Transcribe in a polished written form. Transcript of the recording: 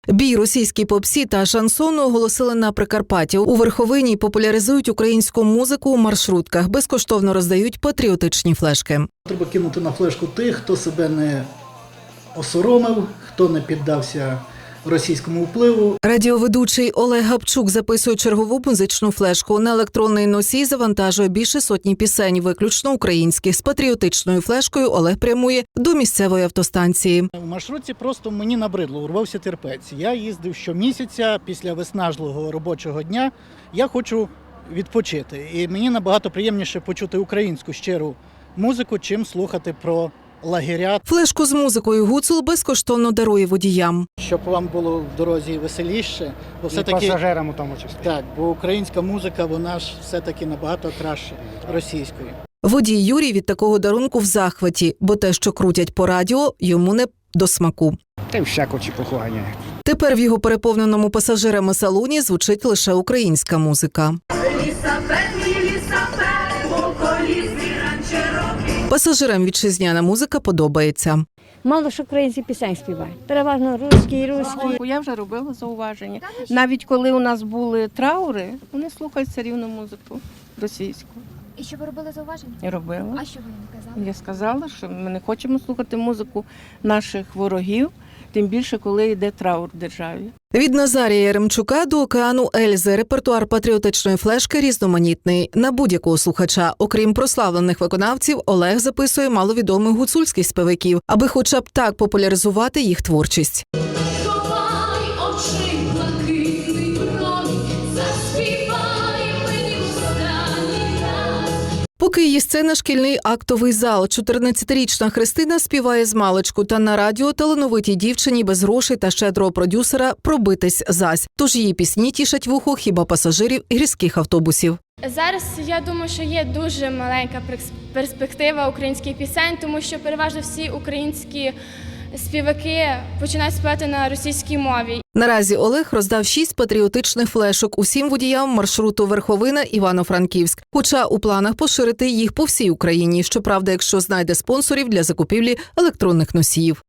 Бій російській попсі та шансону оголосили на Прикарпатті. У Верховині популяризують українську музику у маршрутках, безкоштовно роздають патріотичні флешки. Треба кинути на флешку тих, хто себе не осоромив, хто не піддався російському впливу. Радіоведучий Олег Гапчук записує чергову музичну флешку. На електронний носій завантажує більше сотні пісень, виключно українських. З патріотичною флешкою Олег прямує до місцевої автостанції. В маршрутці просто мені набридло, урвався терпець. Я їздив щомісяця після виснажливого робочого дня. Я хочу відпочити. І мені набагато приємніше почути українську щиру музику, чим слухати про лагеря. Флешку з музикою Гуцул безкоштовно дарує водіям. Щоб вам було в дорозі веселіше, бо все-таки пасажирам у тому числі. так, бо українська музика, вона ж все-таки набагато краще російської. Водій Юрій від такого дарунку в захваті, бо те, що крутять по радіо, йому не до смаку. Та всяко чепуху ганяють. Тепер в його переповненому пасажирами салоні звучить лише українська музика. Пасажирам вітчизняна музика подобається. Мало ж українські пісень співають. Переважно русські. Я вже робила зауваження. Навіть коли у нас були траури, вони слухають все рівно музику російську. І що ви робили зауваження? Я робила. А що ви їм казали? Я сказала, що ми не хочемо слухати музику наших ворогів, тим більше, коли йде траур в державі. Від Назарія Яремчука до океану Ельзи репертуар патріотичної флешки різноманітний. На будь-якого слухача, окрім прославлених виконавців, Олег записує маловідомих гуцульських співаків, аби хоча б так популяризувати їх творчість. Поки її сцена – шкільний актовий зал. 14-річна Христина співає змалечку, та на радіо талановитій дівчині без грошей та щедрого продюсера пробитись зась. Тож її пісні тішать вухо хіба пасажирів гірських автобусів. Зараз, я думаю, що є дуже маленька перспектива українських пісень, тому що переважно всі українські співаки починають співати на російській мові. Наразі Олег роздав 6 патріотичних флешок усім водіям маршруту Верховина – Івано-Франківськ. Хоча у планах поширити їх по всій Україні. Щоправда, якщо знайде спонсорів для закупівлі електронних носіїв.